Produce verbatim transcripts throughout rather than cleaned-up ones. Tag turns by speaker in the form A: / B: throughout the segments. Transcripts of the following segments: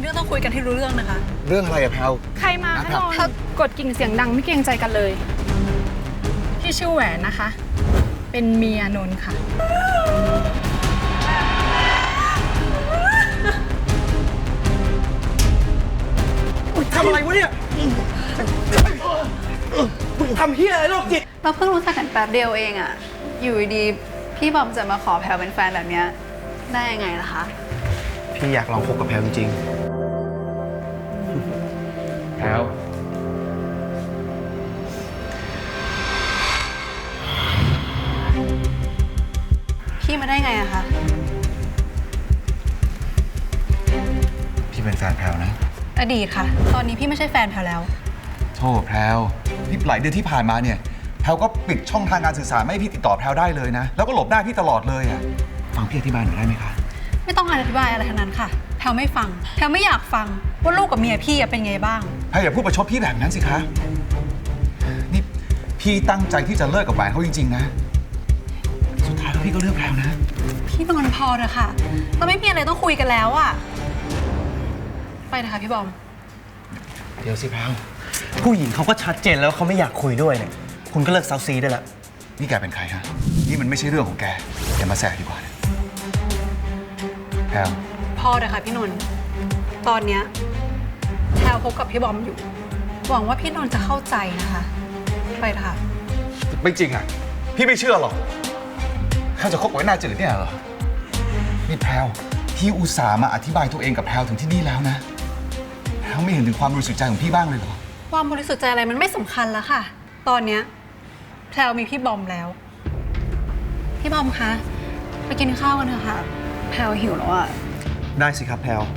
A: รื่องต้องคุยกันให้รู้เรื่องนะคะ
B: เรื่องอะไรอะแพลว
C: ใครมาคะนนท์กดกิ่งเสียงดังไม่เกรงใจกันเลยพี่ชื่อแหวนนะคะ เป็นเมียนนท์ค่ะ
D: ทำอะไรวะเนี่ยมึงทำเฮียอะไรโรคจิต
A: เราเพิ่งรู้จักกันแป๊บเดียวเองอะอยู่ดีพี่บอมจะมาขอแพลวเป็นแฟนแบบนี้ได้ยังไงล่ะคะ
D: พี่อยากลองคบกับแพลวจริง
B: แพลว
A: พี่มาได้ไงอะคะ
B: พี่เป็นแฟนแพลวนะ
A: อดีตค่ะตอนนี้พี่ไม่ใช่แฟนแพลวแล้ว
B: โทษแพลวนี่หลายเดือนที่ผ่านมาเนี่ยแพลวก็ปิดช่องทางการสื่อสารไม่ให้พี่ติดต่อแพลวได้เลยนะแล้วก็หลบหน้าพี่ตลอดเลยอ่ะฟังพี่อธิบายหน่อยได้ไหมคะ
A: ไม่ต้องอธิบายอะไรทั้งนั้นค่ะแพลวไม่ฟังแพลวไม่อยากฟังว่าลูกกับเมียพี่เป็นไงบ้าง
B: แพลวอย่าพูดประชดพี่แบบนั้นสิคะนี่พี่ตั้งใจที่จะเลิกกับแหวนเขาจริงๆนะสุดท้ายแล้วพี่ก็เลือกแพลวนะ
A: พี่นอนพอเถอะค่ะเราไม่มีอะไรต้องคุยกันแล้วอะไปนะคะพี่บอม
B: เดี๋ยวสิแพลว
D: ผู้หญิงเขาก็ชัดเจนแล้วเขาไม่อยากคุยด้วยเนี่ยคุณก็เลิกเซาซีได้แล้ว
B: นี่แกเป็นใครฮะนี่มันไม่ใช่เรื่องของแกอย่ามาแสดีกว่านะแพลว
A: พอเถอะค่ะพี่นนท์ตอนเนี้ยแพลวคบกับพี่บอมอยู่หวังว่าพี่นนท์จะเข้าใจนะคะไปเถอะค่ะ
B: ไม่จริงอ่ะพี่ไม่เชื่อหรอกข้าจะคบกับไอ้หน้าจืดเนี่ยเหรอนี่แพลวพี่อุตส่าห์มาอธิบายตัวเองกับแพลวถึงที่นี่แล้วนะแพลวไม่เห็นถึงความบริสุทธิ์ใจของพี่บ้างเลยเหรอ
A: ความบริสุทธิ์ใจอะไรมันไม่สำคัญแล้วค่ะตอนเนี้ยแพลวมีพี่บอมแล้วพี่บอมคะไปกินข้าวกันเถอะค่ะแพลวหิวแล้วอะ
D: ได้สิครับแพลว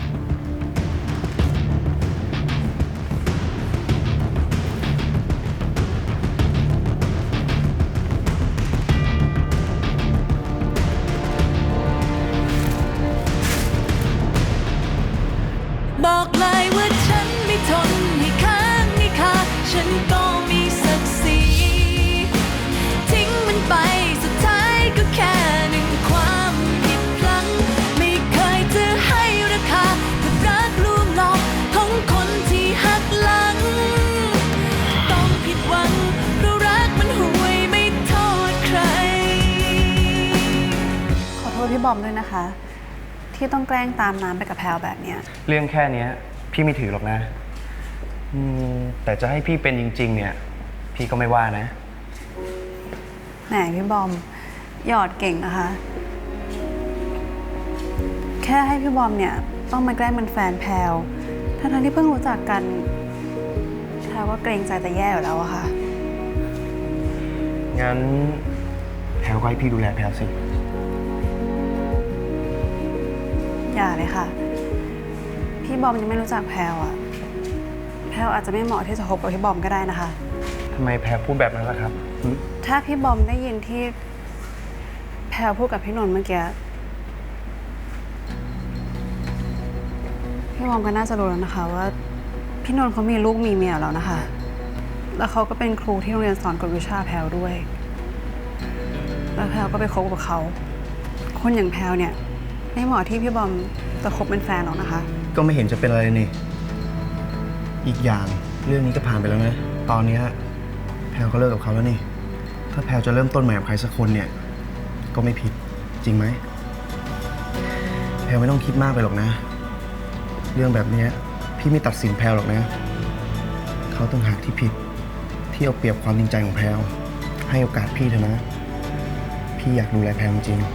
E: บอกเลยว่าฉันไม่ทนให้ค้างให้คาฉันก็มีศักดิ์ศรีทิ้งมันไปสุดท้ายก็แค่หนึ่งความผิดพลั้งไม่เคยจะให้ราคากับรักลวงหลอกของคนที่หักหลังต้องผิดหวังเพราะรักมันห่วยไม่โทษใคร
A: ขอโทษพี่บอมด้วยนะคะที่ต้องแกล้งตามน้ำไปกับแพลวแบบเนี้ย
D: เรื่องแค่นี้พี่ไม่ถือหรอกนะแต่จะให้พี่เป็นจริงๆเนี่ยพี่ก็ไม่ว่านะ
A: แหมพี่บอมหยอดเก่งนะคะแค่ให้พี่บอมเนี่ยต้องมาแกล้งเป็นแฟนแพลวทั้งๆที่เพิ่งรู้จักกันแพลวก็เกรงใจแต่แย่อยู่แล้วอะค่ะ
D: งั้นแพลวก็ให้พี่ดูแลแพลวสิ
A: อย่าเลยค่ะพี่บอมยังไม่รู้จักแพลวอะแพลวอาจจะไม่เหมาะที่จะคบกับพี่บอมก็ได้นะคะ
D: ทำไมแพลวพูดแบบนั้นล่ะครับ
A: ถ้าพี่บอมได้ยินที่แพลวพูดกับพี่นนท์เมื่อกี้พี่บอมก็น่าจะรู้แล้วนะคะว่าพี่นนท์เขามีลูกมีเมียแล้วนะคะแล้วเขาก็เป็นครูที่โรงเรียนสอนกฎวิชาแพลวด้วยแล้วแพลวก็ไปคบกับเขาคนอย่างแพลวเนี่ยไม่เหมาะที่พี่บอมจะคบเป็นแฟนหรอกนะคะ
D: ก็ไม่เห็นจะเป็นอะไรนี่อีกอย่างเรื่องนี้ก็ผ่านไปแล้วนะตอนนี้แพลวก็เลิกกับเขาแล้วนี่ถ้าแพลวจะเริ่มต้นใหม่กับใครสักคนเนี่ยก็ไม่ผิดจริงไหมแพลวไม่ต้องคิดมากไปหรอกนะเรื่องแบบนี้พี่ไม่ตัดสินแพลวหรอกนะเขาต้องหากที่ผิดที่เอาเปรียบความจริงใจของแพลวให้โอกาสพี่เถอะนะพี่อยากดูแลแพลวจริง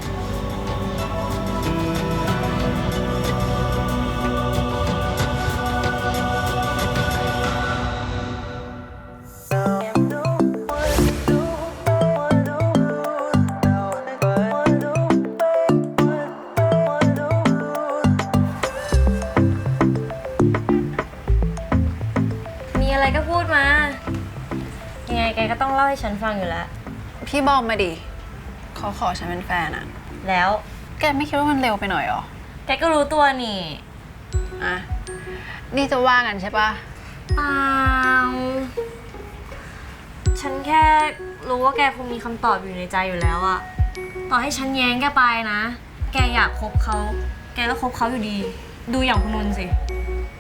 F: ก็พูดมายังไงแกก็ต้องเล่าให้ฉันฟังอยู่แล้ว
A: พี่บอมมาดิเขาขอฉันเป็นแฟนอะ
F: แล้ว
A: แกไม่คิดว่ามันเร็วไปหน่อยหรอ
F: แกก็รู้ตัวนี่
A: อ่ะนี่จะว่ากันใช่ปะ
F: เปล่าฉันแค่รู้ว่าแกคงมีคำตอบอยู่ในใจอยู่แล้วอะต่อให้ฉันแย้งแกไปนะแกอยากคบเขาแกก็คบเขาอยู่ดีดูอย่างคุณนนท์สิ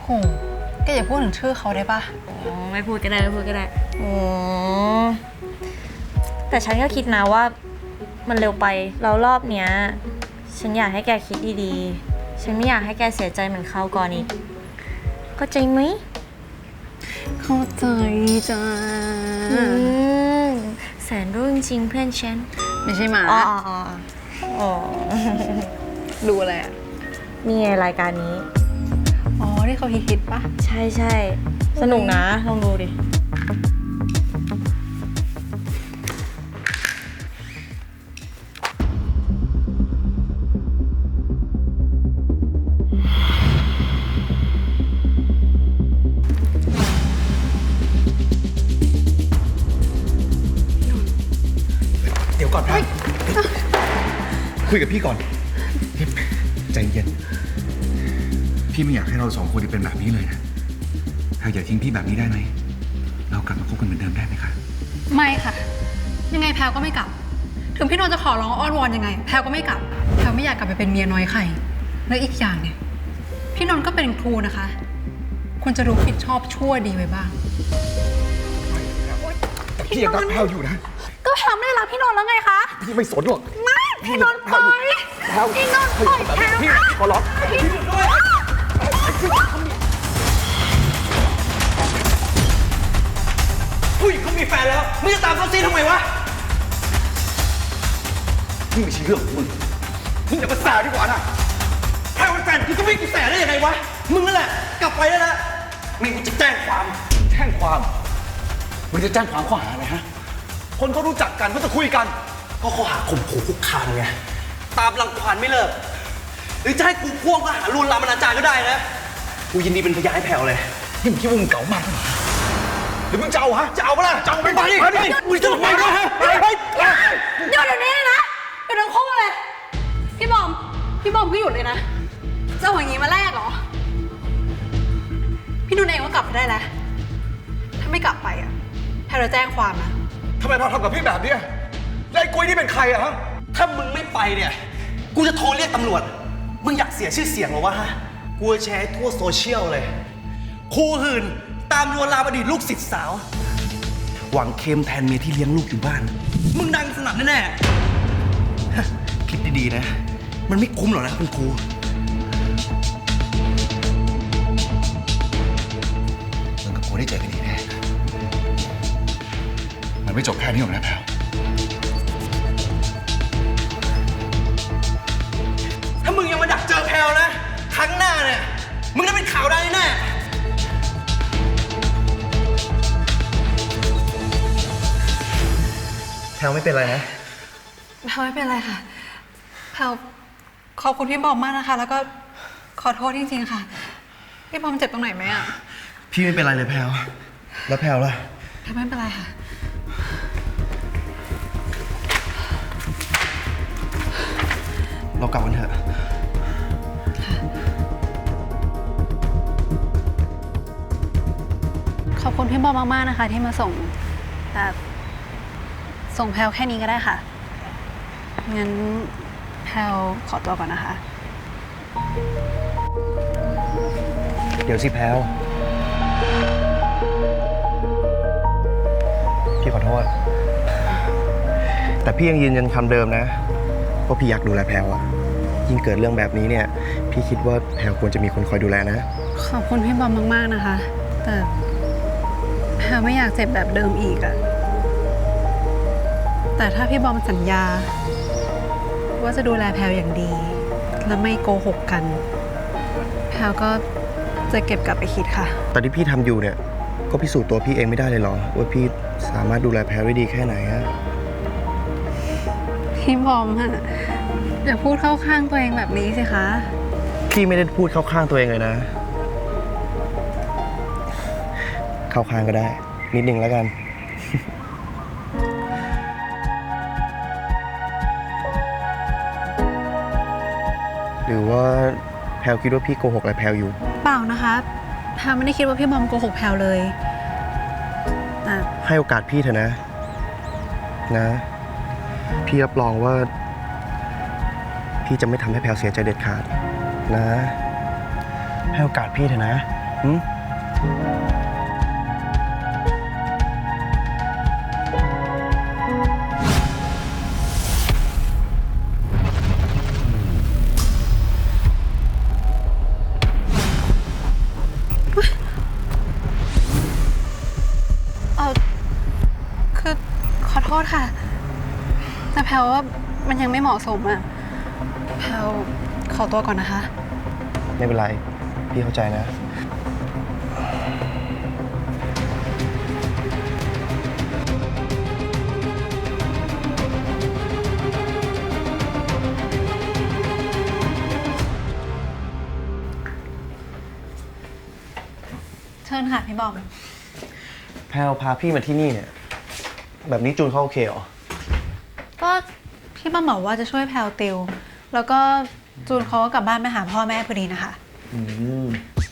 A: แกอย่าพูดถึงชื่อเขาได้ปะ
F: อ๋อไม่พูดก็ได้ไม่พูดก็ได้โอ้แต่ฉันก็คิดนะว่ามันเร็วไปแล้วรอบเนี้ยฉันอยากให้แกคิดดีๆฉันไม่อยากให้แกเสียใจเหมือนคราวก่อนอีกเข้าใจไหม
A: เข้าใจจ้า
F: อืมแสนรู้จริงๆเพื่อนฉัน
A: ไม่ใช่หมา
F: อ๋ออ๋ออ๋อ
A: ดูอะไรอ่ะ
F: นี่ไงรายการนี้
A: อ๋อ ที่เขาฮิตๆปะ
F: ใช่ใช่สนุกนะ ลองดูดิ
B: เดี๋ยวก่อนแพลวคุยกับพี่ก่อนใจเย็น พี่ไม่อยากให้เราสองคนเป็นแบบนี้เลยนะแพลวอย่าทิ้งพี่แบบนี้ได้ไหม เรากลับมาคบกันเหมือนเดิมได้ไหมคะ
A: ไม่ค่ะ ยังไงแพลวก็ไม่กลับ ถึงพี่นนท์จะขอร้องอ้อนวอนยังไง แพลวก็ไม่กลับ แพลวไม่อยากกลับไปเป็นเมียน้อยใคร และอีกอย่างเนี่ย พี่นนท์ก็เป็นครูนะคะ คุณจะรู้ผิดชอบชั่วดีไว้บ้าง
B: แต่พี่ยังรักแพลวอยู่นะ
A: ก็แพลวไม่ได้รักพี่นนท์แล้วไงคะ
B: พี่ไม่สนหรอก
A: ไม่ พี่นนท์ปล่อย
B: แพลว
A: พี่นนท์ปล่อยแพลว
B: พี่ขอร้องพี่ด้วย
D: ผู้หญิงเขามีแฟนแล้วมึงจะตามเขาซีทำไมวะ
B: นี่ไม่ใช่เรื่องของมึงมึงอย่ามาแสดีกว่านะ
D: แค่เป็นแฟนกูจะไม่กูแสได้ยังไงวะ มึงนั่นแหละ กลับไปแล้วนะไม่กูจะแจ้งความ
B: แจ้งความมึงจะแจ้งความข้อหาอะไรฮะ คนเขารู้จักกันเขาจะคุยกัน
D: ก็ข้อหาข่มขู่คุกคามไง ตามรังควานไม่เลิก หรือจะให้กูพ่วงข้อหาลวนลามอนาจารก็ได้นะ กูยินดีเป็นพยานให้แผ่วเลย
B: นี่มึงคิดว่ามึงเก๋ามากเหรอหรือมึงจะเอาฮะ จะเอาปะล่ะจะเอาไป
D: ไปดิ
B: ไปดิ
D: มึงจะทำไมวะฮะไปไป
A: หยุดเดี๋ยวนี้เลยนะหยุดทั้งคู่เลย พี่บอม พี่บอมก็หยุดเลยนะจะเอาอย่างนี้มาแลกเหรอ พี่นุ่นเองก็กลับไปได้แล้ว ถ้าไม่กลับไปอ่ะแพลวจะแจ้งความนะ
B: ทำไมเราทำกับพี่แบบเนี้ยแล้วไอ้กุ้ยนี่เป็นใครอะฮะ
D: ถ้ามึงไม่ไปเนี่ย กูจะโทรเรียกตำรวจ มึงอยากเสียชื่อเสียงเหรอวะฮะ กูจะแชร์ให้ทั่วโซเชียลเลย ครูหื่นตามลวนลามอดีตลูกศิษย์สาว หวังเค็มแทนเมียที่เลี้ยงลูกอยู่บ้าน มึงดังสนั่นแน่ๆฮะคิดดีๆนะ มันไม่คุ้มหรอกนะเป็นครู
B: มึงกับกูได้เจอกันอีกแน่มันไม่จบแค่นี้หรอกนะแพลว
D: ถ้ามึงยังมาดักเจอแพลวนะ ครั้งหน้าเนี่ย มึงได้เป็นข่าวได้แน่ แพลวไม่เป็นไรนะ
A: แพลวไม่เป็นไรค่ะ แพลวขอบคุณพี่บอมมากนะคะ แล้วก็ขอโทษจริงๆค่ะ พี่บอมเจ็บตรงไหนไหมอ่ะ
D: พี่ไม่เป็นไรเลยแพลว แล้วแพลวล่ะ
A: แพลวไม่เป็นไรค่ะ
D: เรากลับกันเถอะ
A: ขอบคุณพี่บอมมากๆนะคะ ที่มาส่งแต่ส่งแพลวแค่นี้ก็ได้ค่ะ งั้นแพลวขอตัวก่อนนะคะ
D: เดี๋ยวสิแพลว พี่ขอโทษ แต่พี่ยังยืนยันคำเดิมนะว่าพี่อยากดูแลแพลวอะยิ่งเกิดเรื่องแบบนี้เนี่ย พี่คิดว่าแพลวควรจะมีคนคอยดูแลนะ
A: ขอบคุณพี่บอมมากๆนะคะ แต่แพลวไม่อยากเจ็บแบบเดิมอีกอะแต่ถ้าพี่บอมสัญญา ว่าจะดูแลแพลวอย่างดี และไม่โกหกกัน แพลวก็จะเก็บกลับไปคิดค่ะ
D: ตอนที่พี่ทำอยู่เนี่ย ก็พิสูจน์ตัวพี่เองไม่ได้เลยเหรอ ว่าพี่สามารถดูแลแพลวได้ดีแค่ไหนอะ
A: พี่บอมอะอย่าพูดเข้าข้างตัวเองแบบนี้สิคะ
D: พี่ไม่ได้พูดเข้าข้างตัวเองเลยนะ เข้าข้างก็ได้ นิดนึงแล้วกัน หรือว่าแพลวคิดว่าพี่โกหกอะไรแพลวอยู่
A: เปล่านะคะแพลวไม่ได้คิดว่าพี่บอมโกหกแพลวเลยแต่
D: ให้โอกาสพี่เถอะนะ นะ พี่รับรองว่า พี่จะไม่ทำให้แพลวเสียใจเด็ดขาด นะ ให้โอกาสพี่เถอะนะหืม
A: เออคือขอโทษค่ะ แต่แพลว่ามันยังไม่เหมาะสมอะแพลขอตัวก่อนนะคะ
D: ไม่เป็นไร พี่เข้าใจนะ
A: เชิญค่ะพี่บอม
D: แพลวพาพี่มาที่นี่เนี่ย แบบนี้จูนเขาโอเคเหรอ
A: ก็พี่บอมบอกว่าจะช่วยแพลติว แล้วก็จูนเขาก็กลับบ้านไปหาพ่อแม่พอดีนะคะ
D: อืม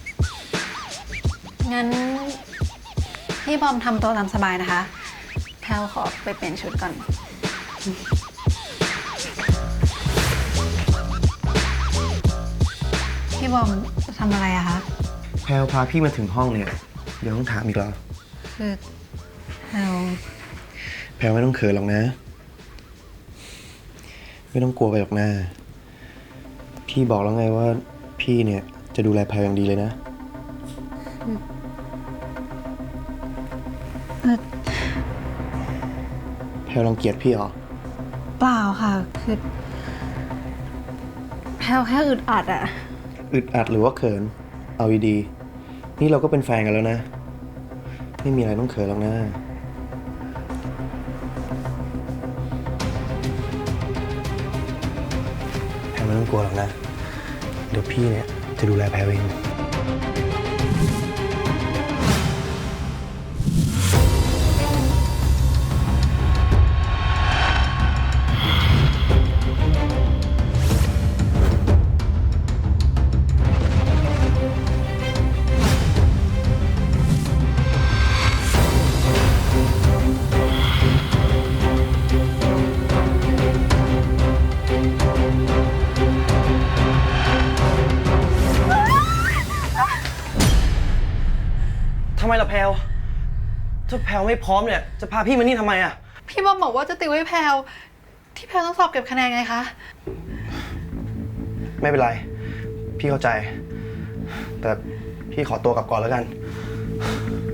A: งั้นพี่บอมทำตัวตามสบายนะคะ แพลขอไปเปลี่ยนชุดก่อน พี่บอมจะทำอะไรอะคะ
D: แพลวพาพี่มาถึงห้องเนี่ย เดี๋ยวต้องถามอีกแล้ว
A: คือแพล
D: แพลวไม่ต้องเขินหรอกนะ ไม่ต้องกลัวไปหรอกนะพี่บอกแล้วไงว่าพี่เนี่ยจะดูแลแพลวอย่างดีเลยนะ แพลวรังเกียจพี่เหรอ
A: เปล่าค่ะ คือแพลแค่อึดอัดอะ
D: อึดอัดหรือว่าเขิน เอาดีๆนี่เราก็เป็นแฟนกันแล้วนะ ไม่มีอะไรต้องเขินหรอกนะ แพลวไม่ต้องกลัวหรอกนะ เดี๋ยวพี่เนี่ยจะดูแลแพลวเอง ทำไมล่ะแพลวถ้าแพลวไม่พร้อมเนี่ย จะพาพี่มานี่ทำไมอ่ะ
A: พี่บอมบอกว่าจะติวให้แพลที่แพลต้องสอบเก็บคะแนนไงคะ
D: ไม่เป็นไร พี่เข้าใจ แต่พี่ขอตัวกลับก่อนแล้วกัน
A: แ